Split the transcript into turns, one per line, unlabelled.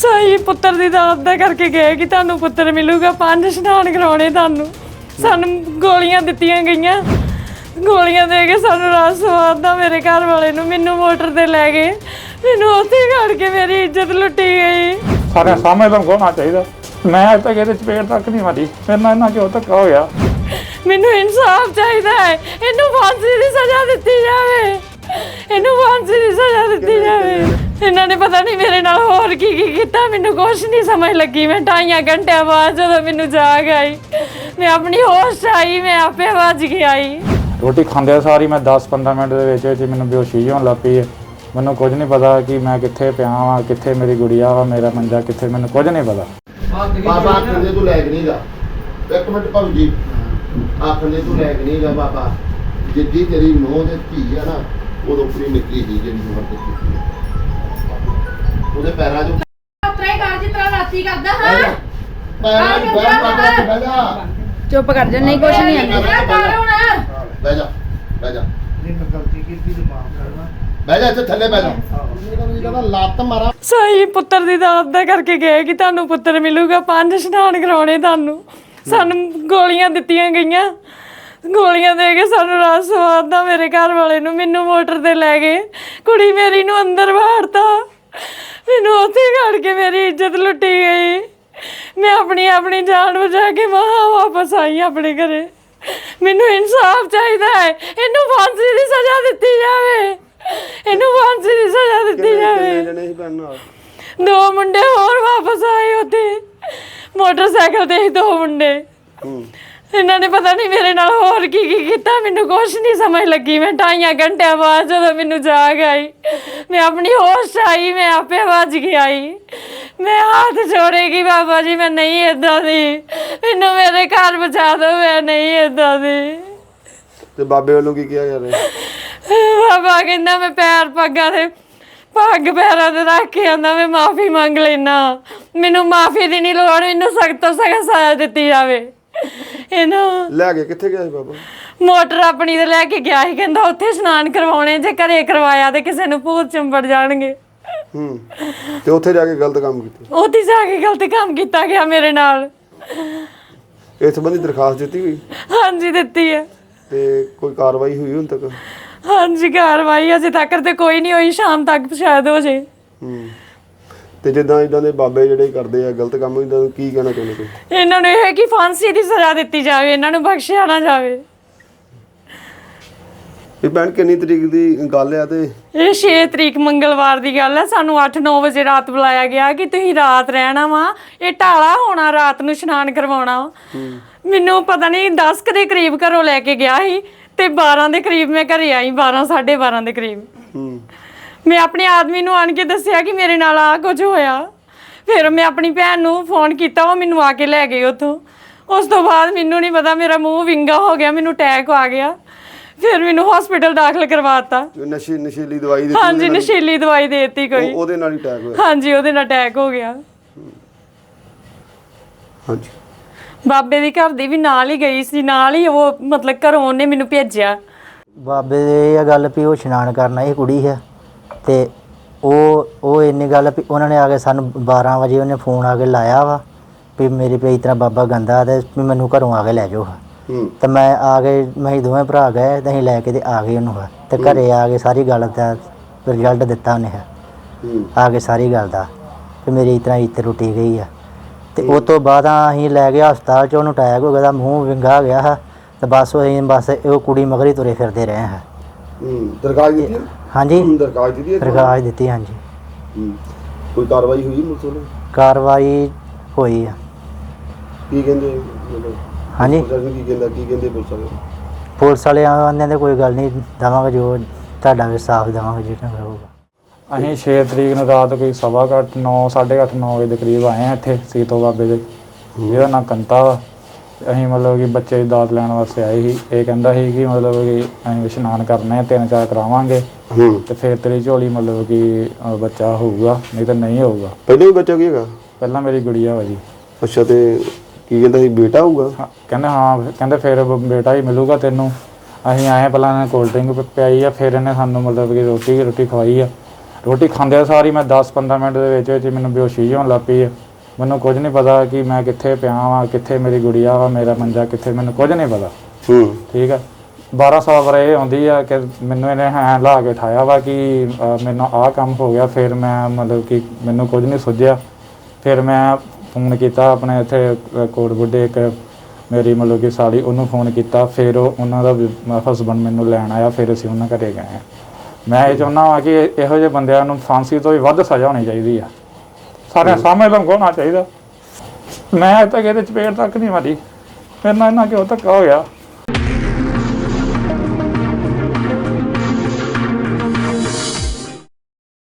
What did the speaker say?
ਸਹੀ ਪੁੱਤਰ ਦੀ ਦਾਤ ਦਾ ਕਰਕੇ ਗਏ ਕਿ ਤੁਹਾਨੂੰ ਪੁੱਤਰ ਮਿਲੂਗਾ। 5 ਇਸ਼ਨਾਨ ਕਰਾਉਣੇ ਤੁਹਾਨੂੰ। ਸਾਨੂੰ ਗੋਲੀਆਂ ਦਿੱਤੀਆਂ ਗਈਆਂ, ਗੋਲੀਆਂ ਦੇ ਕੇ ਸਾਨੂੰ ਰਾਤ ਸਵਾਰਦਾ ਮੇਰੇ ਘਰ ਵਾਲੇ ਨੂੰ। ਮੈਨੂੰ ਮੋਟਰ ਤੇ ਲੈ ਗਏ, ਮੈਨੂੰ ਉੱਥੇ ਖੜ ਕੇ ਮੇਰੀ ਇੱਜ਼ਤ ਲੁੱਟੀ ਗਈ।
ਸਾਰੇ ਸਾਹਮਣੇ ਲੰਘਾਉਣਾ ਚਾਹੀਦਾ। ਮੈਂ ਅੱਜ ਤੱਕ ਇਹਦੇ ਚਪੇੜ ਤੱਕ ਨਹੀਂ ਮਾਰੀ, ਮੇਰੇ ਨਾਲ ਇੰਨਾ ਕਿਉਂ ਧੱਕਾ ਹੋਇਆ।
ਮੈਨੂੰ ਇਨਸਾਫ ਚਾਹੀਦਾ ਹੈ। ਇਹਨੂੰ ਫਾਂਸੀ ਦੀ ਸਜ਼ਾ ਦਿੱਤੀ ਜਾਵੇ, ਇਹਨੂੰ ਫਾਂਸੀ ਦੀ ਸਜ਼ਾ ਦਿੱਤੀ ਜਾਵੇ। ਇਹਨਾਂ ਨੇ ਪਤਾ ਨਹੀਂ ਮੇਰੇ ਨਾਲ ਹੋਰ ਕੀ ਕੀਤਾ, ਮੈਨੂੰ ਕੁਛ ਨਹੀਂ ਸਮਝ ਲੱਗੀ। ਮੈਂ 2.5 ਘੰਟਿਆਂ ਬਾਅਦ ਜਦੋਂ ਮੈਨੂੰ ਜਾਗ ਆਈ, ਮੈਂ ਆਪਣੀ ਹੋਸ਼ ਆਈ, ਮੈਂ ਆਪੇ ਵੱਜ ਕੇ ਆਈ।
ਰੋਟੀ ਖਾਂਦੇ ਸਾਰੀ ਮੈਂ 10-15 ਮਿੰਟ ਦੇ ਵਿੱਚ ਮੈਨੂੰ ਬੇਹੋਸ਼ੀ ਹੋਣ ਲੱਗ ਪਈ ਹੈ। ਮੈਨੂੰ ਕੁਝ ਨਹੀਂ ਪਤਾ ਕਿ ਮੈਂ ਕਿੱਥੇ ਪਿਆ ਵਾਂ, ਕਿੱਥੇ ਮੇਰੀ ਗੁੜੀਆ ਵਾ, ਮੇਰਾ ਮੰਜਾ ਕਿੱਥੇ, ਮੈਨੂੰ ਕੁਝ ਨਹੀਂ ਪਤਾ।
ਬਾਬਾ ਆਖਦੇ ਤੂੰ ਲੈਗ ਨਹੀਂਗਾ। ਇੱਕ ਮਿੰਟ ਭਾਊ ਜੀ, ਆਖਦੇ ਤੂੰ ਲੈਗ ਨਹੀਂਗਾ ਬਾਬਾ। ਜਿੱਦੀ ਤੇਰੀ ਨੂੰਹ ਤੇ ਧੀ ਆ ਨਾ, ਉਦੋਂ ਪੂਰੀ ਨਿਕਲੀ ਸੀ ਜਿਹੜੀ ਉਮਰ ਤੇ ਕੀਤੀ ਉਹਦੇ ਪੈਰਾਂ 'ਚ
ਉਤਰਾ ਹੀ ਕਰ ਜਿਤਰਾ ਰਾਤੀ ਕਰਦਾ। ਹਾਂ
ਪੈਰਾਂ 'ਚ ਬਹਿ ਜਾ।
ਚੁੱਪ ਕਰ ਜਾ, ਨਹੀਂ ਕੁਛ ਨਹੀਂ ਆਂਦਾ।
ਬਹਿ ਜਾ, ਬਹਿ ਜਾ,
ਨਹੀਂ ਮੈਂ ਗਲਤੀ ਕੀਤੀ ਤੇ ਮਾਫ ਕਰਨਾ।
ਬਹਿ ਜਾ, ਇੱਥੇ ਥੱਲੇ ਬਹਿ ਜਾ। ਕਹਿੰਦਾ ਲੱਤ ਮਾਰਾਂ।
ਸਹੀ ਪੁੱਤਰ ਦੀ ਦਾਤ ਦਾ ਕਰਕੇ ਗਏ ਕਿ ਤੁਹਾਨੂੰ ਪੁੱਤਰ ਮਿਲੂਗਾ। 5 ਇਸ਼ਨਾਨ ਕਰਾਉਣੇ ਤੁਹਾਨੂੰ। ਸਾਨੂੰ ਗੋਲੀਆਂ ਦਿੱਤੀਆਂ ਗਈਆਂ, ਗੋਲੀਆਂ ਦੇ ਕੇ ਸਾਨੂੰ ਰਾਤ ਸਵਾਰਦਾ ਮੇਰੇ ਘਰ ਵਾਲੇ ਨੂੰ। ਮੈਨੂੰ ਮੋਟਰ ਤੇ ਲੈ ਗਏ, ਕੁੜੀ ਮੇਰੀ ਨੂੰ ਅੰਦਰ ਵਾੜਤਾ, ਮੈਨੂੰ ਉੱਥੇ ਖੜ ਕੇ ਮੇਰੀ ਇੱਜ਼ਤ ਲੁੱਟੀ ਗਈ। ਮੈਂ ਆਪਣੀ ਜਾਨ ਬਚਾ ਕੇ ਵਾਪਸ ਆਈ ਆਪਣੇ ਘਰੇ। ਮੈਨੂੰ ਇਨਸਾਫ ਚਾਹੀਦਾ ਹੈ। ਇਹਨੂੰ ਫਾਂਸੀ ਦੀ ਸਜ਼ਾ ਦਿੱਤੀ ਜਾਵੇ, ਇਹਨੂੰ ਫਾਂਸੀ ਦੀ ਸਜ਼ਾ ਦਿੱਤੀ ਜਾਵੇ। 2 ਮੁੰਡੇ ਹੋਰ ਵਾਪਸ ਆਏ ਉੱਥੇ ਮੋਟਰਸਾਈਕਲ ਤੇ, 2 ਮੁੰਡੇ। ਇਹਨਾਂ ਨੇ ਪਤਾ ਨਹੀਂ ਮੇਰੇ ਨਾਲ ਹੋਰ ਕੀ ਕੀਤਾ, ਮੈਨੂੰ ਕੁਛ ਨਹੀਂ ਸਮਝ ਲੱਗੀ। ਮੈਂ 2.5 ਘੰਟਿਆਂ ਬਾਅਦ ਜਦੋਂ ਮੈਨੂੰ ਜਾਗ ਆਈ, ਮੈਂ ਆਪਣੀ ਹੋਸ਼ ਆਈ, ਮੈਂ ਆਪੇ ਵੱਜ ਕੇ ਆਈ। ਮੈਂ ਹੱਥ ਜੋੜੇਗੀ ਬਾਬਾ ਜੀ, ਮੈਂ ਨਹੀਂ ਏਦਾਂ ਦੀ, ਮੈਨੂੰ ਮੇਰੇ ਘਰ ਬਚਾ ਦਿਓ, ਮੈਂ ਨਹੀਂ ਏਦਾਂ ਦੀ।
ਤੇ ਬਾਬੇ ਵੱਲੋਂ ਕੀ ਕਿਹਾ ਜਾ ਰਿਹਾ?
ਬਾਬਾ ਕਹਿੰਦਾ ਮੈਂ ਪੱਗਾਂ ਤੇ ਪੱਗ ਪੈਰਾਂ ਤੇ ਰੱਖ ਕੇ ਆਂਦਾ, ਮੈਂ ਮਾਫੀ ਮੰਗ ਲੈਣਾ। ਮੈਨੂੰ ਮਾਫੀ ਦੀ ਨਹੀਂ ਲੋੜ, ਮੈਨੂੰ ਸਖਤ ਤੋਂ ਸਖਤ ਸਜ਼ਾ ਦਿੱਤੀ ਜਾਵੇ। ਇਹਨੂੰ
ਲੈ ਕੇ ਕਿੱਥੇ ਗਿਆ ਸੀ ਬਾਬਾ?
ਮੋਟਰ ਆਪਣੀ ਤੇ ਲੈ ਕੇ ਗਿਆ ਸੀ। ਕਹਿੰਦਾ ਉੱਥੇ ਇਸ਼ਨਾਨ ਕਰਵਾਉਣੇ, ਜੇ ਘਰੇ ਕਰਵਾਇਆ ਤੇ ਕਿਸੇ ਨੂੰ ਭੂਤ ਚੰਬੜ ਜਾਣਗੇ।
ਤੇ ਉੱਥੇ ਜਾ ਕੇ ਗਲਤ ਕੰਮ ਕੀਤਾ?
ਉੱਥੇ ਜਾ ਕੇ ਗਲਤ ਕੰਮ ਕੀਤਾ ਗਿਆ ਮੇਰੇ ਨਾਲ।
ਇਸ ਸੰਬੰਧੀ ਦਰਖਾਸਤ ਦਿੱਤੀ ਹੋਈ?
ਹਾਂਜੀ ਦਿੱਤੀ ਹੈ।
ਤੇ ਕੋਈ ਕਾਰਵਾਈ ਹੋਈ ਹੁਣ ਤੱਕ?
ਹਾਂਜੀ ਕਾਰਵਾਈ ਅਜੇ ਤੱਕ ਤੇ ਕੋਈ ਨਹੀਂ ਹੋਈ, ਸ਼ਾਮ ਤੱਕ ਸ਼ਾਇਦ ਹੋ ਜੇ।
ਤੇ ਜਿੱਦਾਂ ਇਦਾਂ ਦੇ ਬਾਬੇ ਜਿਹੜੇ ਕਰਦੇ ਆ ਗਲਤ ਕੰਮ, ਇਹਨਾਂ ਨੂੰ ਕੀ ਕਹਿਣਾ ਚਾਹੁੰਦੇ ਤੁਸੀਂ?
ਇਹਨਾਂ ਨੂੰ ਇਹ ਹੈ ਕਿ ਫਾਂਸੀ ਦੀ ਸਜ਼ਾ ਦਿੱਤੀ ਜਾਵੇ, ਇਹਨਾਂ ਨੂੰ ਬਖਸ਼ਿਆ ਨਾ ਜਾਵੇ।
ਇਹ ਭੈਣ ਕਿੰਨੀ ਤਰੀਕ ਦੀ ਗੱਲ ਆ? ਤੇ
ਇਹ 6 ਤਰੀਕ ਮੰਗਲਵਾਰ ਦੀ ਗੱਲ ਹੈ। ਸਾਨੂੰ 8-9 ਵਜੇ ਰਾਤ ਬੁਲਾਇਆ ਗਿਆ ਕਿ ਤੁਸੀਂ ਰਾਤ ਰਹਿਣਾ ਵਾ, ਇਹ ਢਾਲਾ ਹੋਣਾ, ਰਾਤ ਨੂੰ ਇਸ਼ਨਾਨ ਕਰਵਾਉਣਾ। ਮੈਨੂੰ ਪਤਾ ਨਹੀਂ 10 ਕੁ ਦੇ ਕਰੀਬ ਘਰੋਂ ਲੈ ਕੇ ਗਿਆ ਸੀ ਤੇ 12 ਦੇ ਕਰੀਬ ਮੈਂ ਘਰੇ ਆਈ, 12-12:30 ਦੇ ਕਰੀਬ। ਮੈਂ ਆਪਣੇ ਆਦਮੀ ਨੂੰ ਆਣ ਕੇ ਦੱਸਿਆ ਕਿ ਮੇਰੇ ਨਾਲ ਆ ਕੁਝ ਹੋਇਆ। ਫਿਰ ਮੈਂ ਆਪਣੀ ਭੈਣ ਨੂੰ ਫੋਨ ਕੀਤਾ, ਉਹ ਮੈਨੂੰ ਆ ਕੇ ਲੈ ਗਏ ਉੱਥੋਂ। ਉਸ ਤੋਂ ਬਾਅਦ ਮੈਨੂੰ ਨਹੀਂ ਪਤਾ, ਮੇਰਾ ਮੂੰਹ ਵਿੰਗਾ ਹੋ ਗਿਆ, ਮੈਨੂੰ ਅਟੈਕ ਆ ਗਿਆ। ਫਿਰ ਮੈਨੂੰ ਹਸਪੀਟਲ ਦਾਖਲ ਕਰਵਾਤਾ।
ਨਸ਼ੀਲੀ ਦਵਾਈ ਦਿੱਤੀ?
ਹਾਂਜੀ ਨਸ਼ੀਲੀ ਦਵਾਈ ਦੇ ਦਿੱਤੀ ਕੋਈ,
ਉਹਦੇ ਨਾਲ ਹੀ ਅਟੈਕ ਹੋਇਆ?
ਹਾਂਜੀ ਉਹਦੇ ਨਾਲ ਅਟੈਕ ਹੋ ਗਿਆ।
ਹਾਂਜੀ
ਬਾਬੇ ਦੀ ਘਰ ਦੀ ਵੀ ਨਾਲ ਹੀ ਗਈ ਸੀ, ਨਾਲ ਹੀ ਉਹ ਮਤਲਬ ਘਰੋਂ ਉਹਨੇ ਮੈਨੂੰ ਭੇਜਿਆ।
ਬਾਬੇ ਦੇ ਇਹ ਗੱਲ ਵੀ ਉਹ ਇਸ਼ਨਾਨ ਕਰਨ ਆਈ ਕੁੜੀ ਹੈ ਤੇ ਉਹ ਇੰਨੀ ਗੱਲ ਵੀ ਉਹਨਾਂ ਨੇ ਆ ਕੇ ਸਾਨੂੰ 12 ਵਜੇ ਉਹਨੇ ਫੋਨ ਆ ਕੇ ਲਾਇਆ ਵਾ ਵੀ ਮੇਰੇ ਪੇ ਇਤਨਾ ਬਾਬਾ ਗੰਦਾ ਤੇ ਵੀ ਮੈਨੂੰ ਘਰੋਂ ਆ ਕੇ ਲੈ ਜਾਓ। ਤੇ ਮੈਂ ਆ ਕੇ ਮੈਂ ਦੋਵੇਂ ਭਰਾ ਗਏ ਤੇ ਅਸੀਂ ਲੈ ਕੇ ਤੇ ਆ ਗਏ ਉਹਨੂੰ ਤੇ ਘਰੇ ਆ ਕੇ ਸਾਰੀ ਗੱਲ ਦਾ ਰਿਜ਼ਲਟ ਦਿੱਤਾ ਉਹਨੇ ਆ ਕੇ ਸਾਰੀ ਗੱਲ ਦਾ ਤੇ ਮੇਰੀ ਇਤਨਾ ਇੱਜ਼ਤ ਟੁੱਟੀ ਗਈ ਆ। ਤੇ ਉਸ ਤੋਂ ਬਾਅਦ ਅਸੀਂ ਲੈ ਗਏ ਹਸਪਤਾਲ 'ਚ, ਉਹਨੂੰ ਅਟੈਕ ਹੋ ਗਿਆ, ਮੂੰਹ ਵਿੰਗਾ ਗਿਆ ਤੇ ਬਸ ਉਹ ਕੁੜੀ ਮਗਰੀ ਤੁਰੇ ਫਿਰਦੇ ਰਹੇ ਹਾਂ।
ਦਰਖਾਸਤ ਦਿੱਤੀ?
ਹਾਂਜੀ
ਦਰਖਾਸਤ ਦਿੱਤੀ?
ਦਰਖਾਸਤ ਦਿੱਤੀ ਹਾਂਜੀ।
ਕੋਈ ਕਾਰਵਾਈ ਹੋਈ ਮੁਰਸੋਂ?
ਕਾਰਵਾਈ ਹੋਈ ਆ।
ਕੀ ਕਹਿੰਦੇ?
ਹਾਂਜੀ
ਕੀ ਕਹਿੰਦੇ
ਪੁਲਿਸ ਵਾਲੇ ਆਂਦੇ ਨੇ ਕੋਈ ਗੱਲ ਨਹੀਂ, ਦੇਵਾਂਗੇ ਜੋ ਤੁਹਾਡਾ ਵੀ ਸਾਫ਼ ਦੇਵਾਂਗੇ ਜਿਹੜਾ ਹੋਊਗਾ।
ਅਸੀਂ 6 ਤਰੀਕ ਨੂੰ ਰਾਤ ਕੋਈ 9:30-9 ਵਜੇ ਦੇ ਕਰੀਬ ਆਏ ਹਾਂ ਇੱਥੇ ਸੀਤੋ ਬਾਬੇ ਦੇ, ਜਿਹਦਾ ਨਾਂ ਕੰਤਾ ਵਾ। ਅਸੀਂ ਮਤਲਬ ਕਿ ਬੱਚੇ ਦੀ ਦਾਤ ਲੈਣ ਵਾਸਤੇ ਆਏ ਸੀ। ਇਹ ਕਹਿੰਦਾ ਸੀ ਕਿ ਮਤਲਬ ਕਿ ਅਸੀਂ ਇਸ਼ਨਾਨ ਕਰਨੇ 3-4 ਕਰਾਵਾਂਗੇ ਤੇ ਫਿਰ ਤੇਰੀ ਝੋਲੀ ਮਤਲਬ ਕਿ ਬੱਚਾ ਹੋਊਗਾ, ਨਹੀਂ ਤਾਂ ਨਹੀਂ ਹੋਊਗਾ।
ਪਹਿਲਾਂ ਵੀ ਬੱਚਾ ਕੀ ਹੈਗਾ?
ਪਹਿਲਾਂ ਮੇਰੀ ਗੁੜੀਆ ਵਾ ਜੀ।
ਅੱਛਾ, ਤੇ ਕੀ ਕਹਿੰਦਾ ਸੀ ਬੇਟਾ ਹੋਊਗਾ?
ਕਹਿੰਦੇ ਹਾਂ, ਕਹਿੰਦੇ ਫਿਰ ਬੇਟਾ ਹੀ ਮਿਲੂਗਾ ਤੈਨੂੰ। ਅਸੀਂ ਆਏ ਪਹਿਲਾਂ ਇਹਨੇ ਕੋਲਡ ਡਰਿੰਕ ਪਿਆਈ ਆ, ਫਿਰ ਇਹਨੇ ਸਾਨੂੰ ਮਤਲਬ ਕਿ ਰੋਟੀ ਖਵਾਈ ਆ। ਰੋਟੀ ਖਾਂਦੇ ਸਾਰੀ ਮੈਂ 10-15 ਮਿੰਟ ਦੇ ਵਿੱਚ ਮੈਨੂੰ ਬੇਹੋਸ਼ੀ ਹੋਣ ਲੱਗ ਪਈ। ਮੈਨੂੰ ਕੁਝ ਨਹੀਂ ਪਤਾ ਕਿ ਮੈਂ ਕਿੱਥੇ ਪਿਆ ਵਾਂ, ਕਿੱਥੇ ਮੇਰੀ ਗੁੜੀਆ ਵਾ, ਮੇਰਾ ਮੰਜਾ ਕਿੱਥੇ, ਮੈਨੂੰ ਕੁਝ ਨਹੀਂ ਪਤਾ। ਠੀਕ ਆ। 12 ਸਾਲ ਬਾਰੇ ਇਹ ਆਉਂਦੀ ਆ ਕਿ ਮੈਨੂੰ ਇਹਨੇ ਹੈਂ ਲਾ ਕੇ ਉਠਾਇਆ ਵਾ ਕਿ ਮੈਨੂੰ ਆਹ ਕੰਮ ਹੋ ਗਿਆ। ਫਿਰ ਮੈਂ ਮਤਲਬ ਕਿ ਮੈਨੂੰ ਕੁਝ ਨਹੀਂ ਸੁੱਝਿਆ। ਫਿਰ ਮੈਂ ਫੋਨ ਕੀਤਾ ਆਪਣੇ ਇੱਥੇ ਕੋਟ ਬੁੱਢੇ ਇੱਕ ਮੇਰੀ ਮਤਲਬ ਕਿ ਸਾਲੀ, ਉਹਨੂੰ ਫੋਨ ਕੀਤਾ। ਫਿਰ ਉਹਨਾਂ ਦਾ ਹਸਬੈਂਡ ਮੈਨੂੰ ਲੈਣ ਆਇਆ। ਫਿਰ ਅਸੀਂ ਉਹਨਾਂ ਘਰੇ ਗਏ। ਮੈਂ ਇਹ ਚਾਹੁੰਦਾ ਹਾਂ ਕਿ ਇਹੋ ਜਿਹੇ ਬੰਦਿਆਂ ਨੂੰ ਫਾਂਸੀ ਤੋਂ ਵੀ ਵੱਧ ਸਜ਼ਾ ਹੋਣੀ ਚਾਹੀਦੀ ਆ। ਸਾਰਿਆਂ ਸਾਹਮਣੇ ਲੰਘਾਉਣਾ ਚਾਹੀਦਾ। ਮੈਂ ਅਜੇ ਤੱਕ ਇਹਦੇ ਚਪੇੜ ਤੱਕ ਨਹੀਂ ਮਾਰੀ। ਮੇਰੇ ਨਾਲ ਇਹਨਾਂ ਕਿਉਂ ਧੱਕਾ ਹੋ ਗਿਆ।